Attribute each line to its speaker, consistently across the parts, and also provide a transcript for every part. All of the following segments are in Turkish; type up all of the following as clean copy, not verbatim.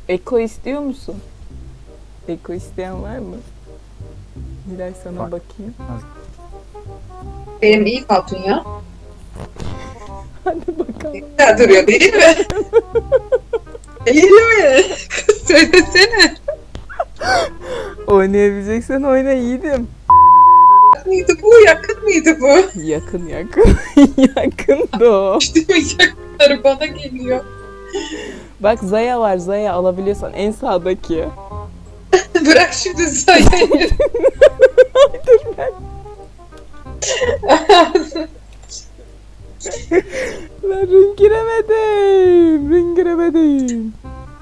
Speaker 1: Eko istiyor musun? Eko isteyen var mı? Nilay sana
Speaker 2: Var.
Speaker 1: bakayım.
Speaker 3: Benim iyi hatun ya.
Speaker 1: Hadi bakalım.
Speaker 3: Güzel duruyor değil mi? Değil mi? Söylesene.
Speaker 1: Oynayabileceksen oyna yiğidim.
Speaker 3: Mıydı bu? Yakın mıydı bu?
Speaker 1: Yakın yakın. Yakın da o.
Speaker 3: İşte yakınları bana geliyor.
Speaker 1: Bak Zaya var, Zaya alabiliyorsan en sağdaki.
Speaker 3: Bırak şimdi sayayı.
Speaker 1: Dur ben. Ben ring giremedim. Ring giremedim.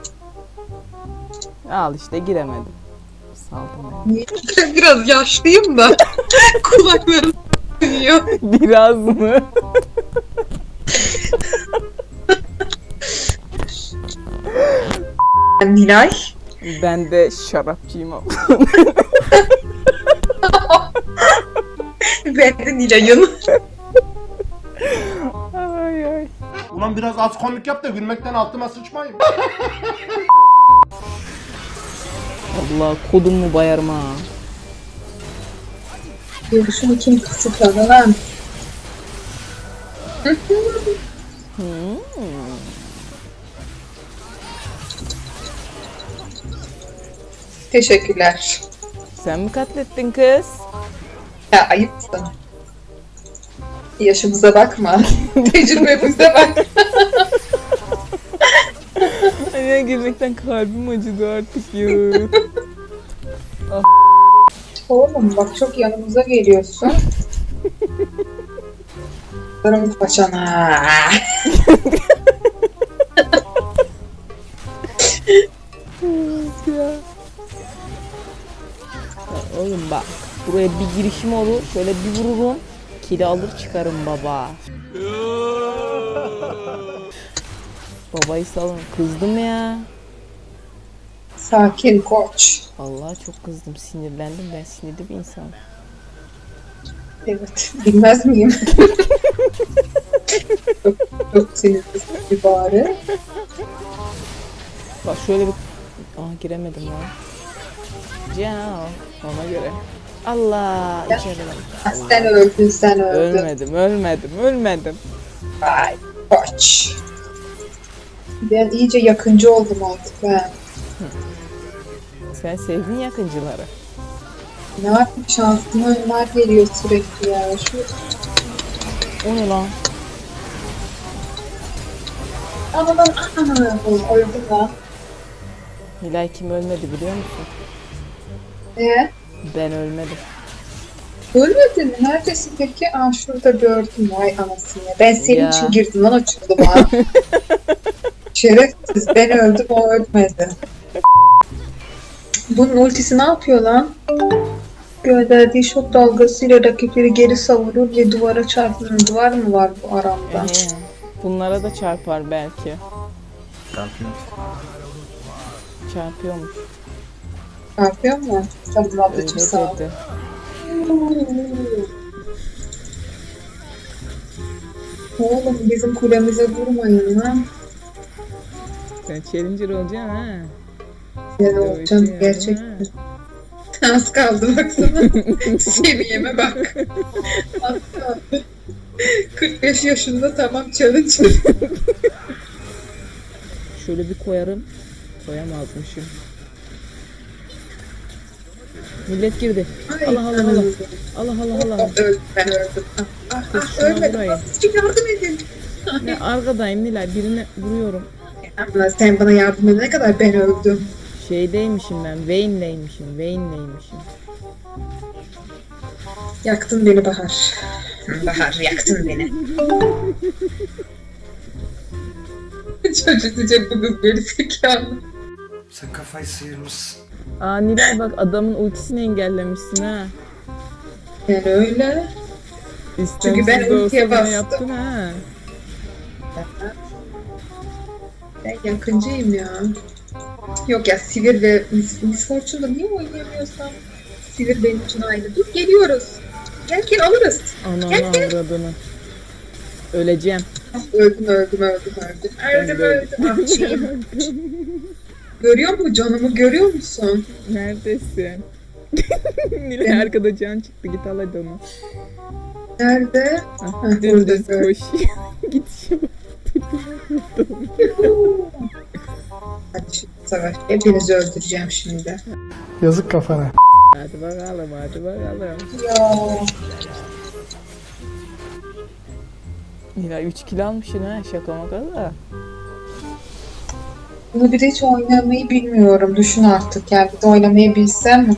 Speaker 1: Al işte giremedim. Saldım ben.
Speaker 3: Biraz yaşlıyım da kulaklarım duyuyor.
Speaker 1: Biraz mı?
Speaker 3: Nilay.
Speaker 1: Ben de şarapçıyım ama.
Speaker 3: Ben de Nilay'ım.
Speaker 1: Ay ay.
Speaker 2: Ulan biraz az komik yap da gülmekten altıma sıçmayayım.
Speaker 1: Allah kodumu bayarma. ha.
Speaker 3: Görüşümü kim kısıtladı lan? Teşekkürler.
Speaker 1: Sen mi katlettin kız?
Speaker 3: Ya ayıpsın. Yaşımıza bakma. Tecrübemize bak.
Speaker 1: Ay gülmekten kalbim acıdı artık ya.
Speaker 3: Oğlum bak çok yanımıza geliyorsun. Sarım paçana.
Speaker 1: Ya oğlum bak buraya bir girişim olur şöyle bir vururum kili alır çıkarım baba. Babayı salın kızdım ya.
Speaker 3: Sakin koç.
Speaker 1: Vallahi çok kızdım sinirlendim ben sinirli bir insanım.
Speaker 3: Evet. Bilmez miyim? çok sinirlisin bir bari.
Speaker 1: Bak şöyle bir giremedim lan. Ciao ona göre. Allah içeri.
Speaker 3: Ha, sen öldün sen öldün.
Speaker 1: Ölmedim.
Speaker 3: Vay koç. Ben iyice yakıncı oldum artık ben.
Speaker 1: Sen sevdin yakıncıları.
Speaker 3: Ne yapayım şansıma onlar geliyor sürekli ya. Şu
Speaker 1: O ne lan?
Speaker 3: aman öldüm lan.
Speaker 1: Nilay kim ölmedi biliyor musun? Ben ölmedim.
Speaker 3: Ölmedin mi? Neredesin peki? Aa şurada gördüm. Vay anasını. Ben senin
Speaker 1: Ya.
Speaker 3: için girdim lan o çukuruma. Şerefsiz. Ben öldüm o ölmedi. Bunun ultisi ne yapıyor lan? Gönderdiği şok dalgasıyla rakipleri geri savurur ve duvara çarpılır. Duvar mı var bu aramda?
Speaker 1: Bunlara da çarpar belki.
Speaker 2: Şampiyon.
Speaker 1: Çarpıyormuş.
Speaker 3: Çarpıyor mu? Tamam ablacım sağ ol.
Speaker 1: Öyle dedi.
Speaker 3: Oğlum bizim kulemize vurmayın lan.
Speaker 1: Sen challenger olacaksın ha.
Speaker 3: Ben olacağım gerçekten. Az kaldı baksana. Seviyeme bak. Az kaldı. 45 yaşında tamam challenge.
Speaker 1: Şöyle bir koyarım. Koyamazmışım. Millet girdi. Allah Allah Allah. Allah Allah Allah.
Speaker 3: Öldüm ben öldüm.
Speaker 1: Kız şuna
Speaker 3: Ölmedim.
Speaker 1: vurayım.
Speaker 3: Azıcık yardım edin.
Speaker 1: Ne arkadayım Nilay birine vuruyorum.
Speaker 3: Ama sen bana yardım edene kadar ben öldüm.
Speaker 1: Şeydeymişim ben. Vayne'deymişim.
Speaker 3: Yaktın beni Bahar. Bahar yaktın beni. Çocuk diyecek bu kız geri zekalı.
Speaker 4: Sen kafayı sıyırmışsın.
Speaker 1: Aa Nilay bak adamın ultisini engellemişsin ha.
Speaker 3: Yani öyle. Çünkü ben
Speaker 1: İstemsiz de
Speaker 3: ultiye
Speaker 1: olsa bunu
Speaker 3: bastım.
Speaker 1: yaptın ha.
Speaker 3: Ben yakıncıyım ya. Yok ya Sivir ve Miss Fortune'da niye oynayamıyorsam? Sivir benim için aynı. Dur geliyoruz. Gel alırız.
Speaker 1: Ananı
Speaker 3: Gel.
Speaker 1: avradını. Öleceğim.
Speaker 3: Öldüm. Açayım. Görüyor musun canımı, görüyor musun?
Speaker 1: Neredesin? Nilay arkada can çıktı, git al hadi onu.
Speaker 3: Nerede?
Speaker 1: Ah,
Speaker 3: Heh,
Speaker 1: dümdüz
Speaker 3: burada.
Speaker 1: koş. Git şu.
Speaker 3: Hadi şimdi savaş. Hepinizi öldüreceğim şimdi.
Speaker 5: Yazık kafana.
Speaker 1: Hadi bakalım, hadi bakalım.
Speaker 3: Ya.
Speaker 1: Nilay 3 kilo almışsın ha, şaka maka da.
Speaker 3: Bunu bir de hiç oynamayı bilmiyorum. Düşün artık yani. Bir de oynamayı bilsem.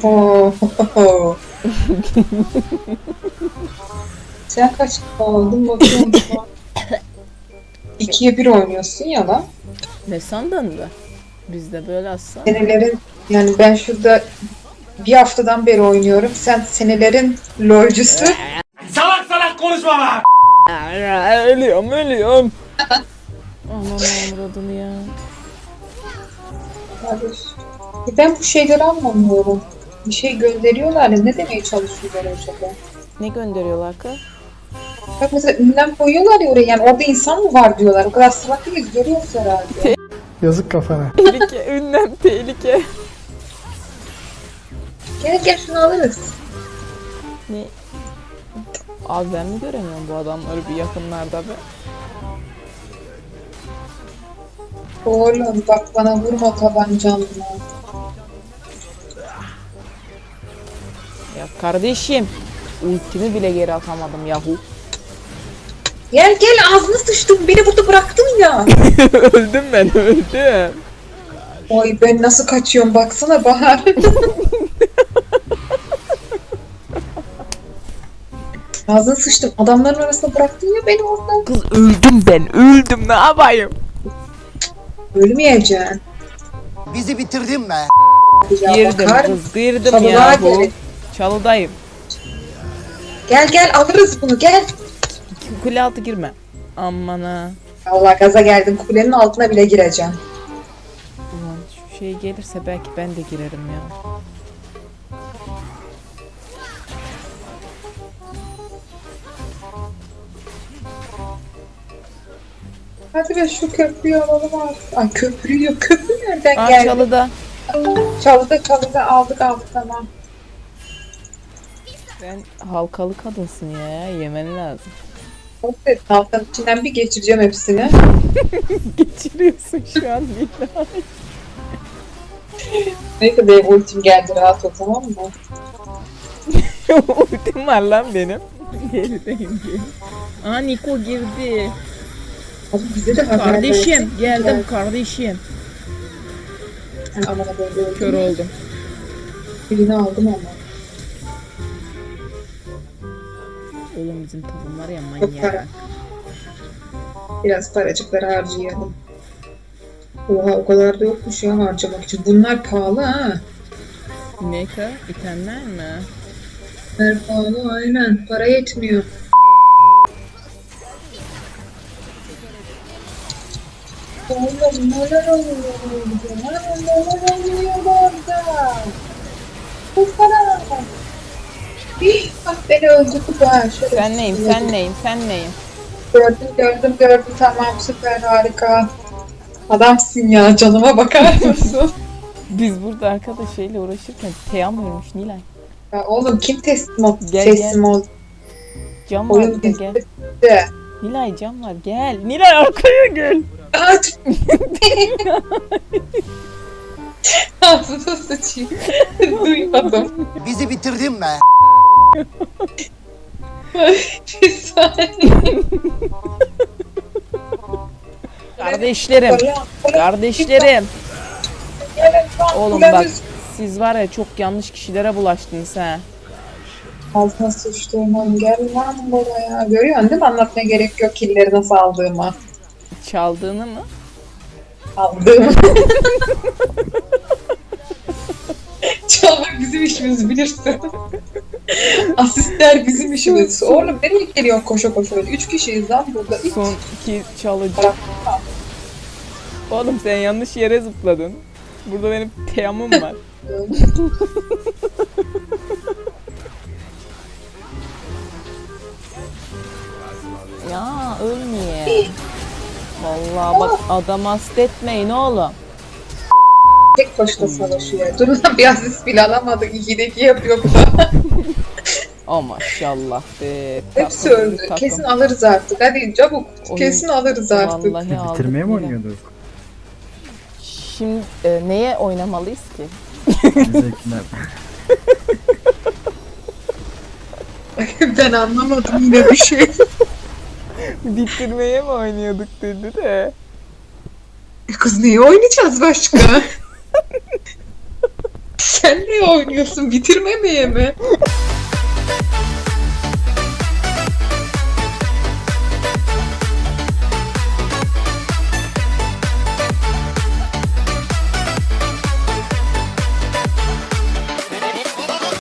Speaker 3: Sen kaç aldın bakıyorum şu an. 2'ye 1 oynuyorsun ya lan.
Speaker 1: Ne sandın da? Bizde böyle aslan.
Speaker 3: Senelerin yani ben şurada bir haftadan beri oynuyorum. Sen senelerin lolcusu.
Speaker 4: Salak salak konuşma be!
Speaker 1: Ölüyorum. Aman avradını ya.
Speaker 3: Ben bu şeyleri anlamıyorum. Bir şey gönderiyorlar ya, ne demeye çalışıyorlar acaba?
Speaker 1: Ne gönderiyorlar kız?
Speaker 3: Bak mesela ünlem koyuyorlar ya oraya, yani orada insan mı var diyorlar. O kadar salak değiliz, görüyoruz herhalde.
Speaker 5: Yazık kafana.
Speaker 1: Tehlike, ünlem tehlike.
Speaker 3: Gel şunu alırız.
Speaker 1: Ne? Abi ben mi göremiyorum bu adamları bir yakınlarda be?
Speaker 3: Oğlum bak bana vurma tabancanla.
Speaker 1: Ya kardeşim, ultimi bile geri atamadım yahu.
Speaker 3: Gel ağzını sıçtım, beni burada bıraktın ya.
Speaker 1: Öldüm ben, öldüm.
Speaker 3: Oy ben nasıl kaçıyorum baksana Bahar. Ağzını sıçtım, adamların arasında bıraktın ya beni orada.
Speaker 1: Kız öldüm ben, öldüm, ne yapayım?
Speaker 3: Ölmeyeceksin.
Speaker 6: Bizi bitirdin be.
Speaker 3: Ya
Speaker 1: Girdim
Speaker 3: bakar
Speaker 1: kız, girdim
Speaker 3: Çalığa
Speaker 1: yahu.
Speaker 3: gelin.
Speaker 1: Çalıdayım.
Speaker 3: Gel alırız bunu gel.
Speaker 1: Kule altı girme. Aman ha.
Speaker 3: Allah gaza geldim, kulenin altına bile gireceğim.
Speaker 1: Ulan şu şey gelirse belki ben de girerim ya.
Speaker 3: Hadi be şu köprüyü alalım artık. Ay köprü yok, köprü nereden
Speaker 1: Aa
Speaker 3: geldi?
Speaker 1: çalıda.
Speaker 3: Çalıda aldık tamam.
Speaker 1: Sen halkalı kadınsın ya, yemen lazım.
Speaker 3: Evet, halkanın içinden bir geçireceğim hepsini.
Speaker 1: Geçiriyorsun şu an Nilay.
Speaker 3: Neyse benim ultim geldi, rahat ol tamam mı?
Speaker 1: Ultim var lan benim. Gerideyim diye. Aa Niko girdi.
Speaker 3: Abi bize de haber
Speaker 1: Kardeşim
Speaker 3: versene.
Speaker 1: geldim kardeşim.
Speaker 3: Aman böyle öldüm.
Speaker 1: Kör oldum.
Speaker 3: Birini aldım ama.
Speaker 1: Oğlum bizim takım var ya
Speaker 3: Çok para.
Speaker 1: manyak.
Speaker 3: Biraz paracıkları harcayalım. Oha o kadar da yokmuş ya harcamak için. Bunlar pahalı ha.
Speaker 1: Ne ka? İtemler mi?
Speaker 3: Bunlar pahalı aynen. Para yetmiyor. Oğlum neler oluyor orada? Neler oluyor orada? Bu para. Bak beni öldürdü ha. Şöyle
Speaker 1: Sen neyim sen neyim sen neyim?
Speaker 3: Gördüm tamam süper harika. Adamsın ya, canıma bakar mısın?
Speaker 1: Biz burada arkadaş şeyle uğraşırken Teyam ölmüş Nilay.
Speaker 3: Ya oğlum kim teslim oldu?
Speaker 1: Gel,
Speaker 3: Teslim oldu.
Speaker 1: Cam var
Speaker 3: Oyun
Speaker 1: burada gel.
Speaker 3: bizde.
Speaker 1: Nilay cam var gel. Nilay arkaya gel.
Speaker 3: Aç. Ağzına sıçayım. Duymadım.
Speaker 6: Bizi bitirdin be.
Speaker 3: Bir saniye.
Speaker 1: Kardeşlerim. Kardeşlerim. Oğlum bak siz var ya çok yanlış kişilere bulaştınız ha.
Speaker 3: Ağzına sıçtığım gel lan buraya. Görüyorsun değil mi? Anlatmaya gerek yok killeri nasıl aldığımı.
Speaker 1: Çaldığını mı?
Speaker 3: Aldığımı. Çalmak bizim işimiz bilirsin. Asistler bizim işimiz. Oğlum nereye geliyorsun koşa koşa öyle? 3 kişiyiz lan burada.
Speaker 1: Son iki çalıcı. Oğlum sen yanlış yere zıpladın. Burada benim Teyam'ım var. Ya ölmeye. Vallahi bak adam hastetmeyin oğlum.
Speaker 3: Tek başına savaşıyor. Dur lan bir asist bile alamadı. 2'deki yapıyor bu da.
Speaker 1: Oh maşallah be.
Speaker 3: Hepsi
Speaker 1: Takım,
Speaker 3: öldü.
Speaker 1: takım.
Speaker 3: Kesin alırız artık. Hadi çabuk.
Speaker 1: Oyun-
Speaker 3: Kesin alırız artık.
Speaker 1: Vallahi aldık
Speaker 7: Bitirmeye mi
Speaker 1: yine.
Speaker 7: oynuyorduk?
Speaker 1: Şimdi neye oynamalıyız ki?
Speaker 7: Zevkine.
Speaker 3: Ben anlamadım yine bir şey.
Speaker 1: Bitirmeye mi oynuyorduk dedi de.
Speaker 3: Kız neyi oynayacağız başka? Sen ne oynuyorsun? Bitirmemeye mi?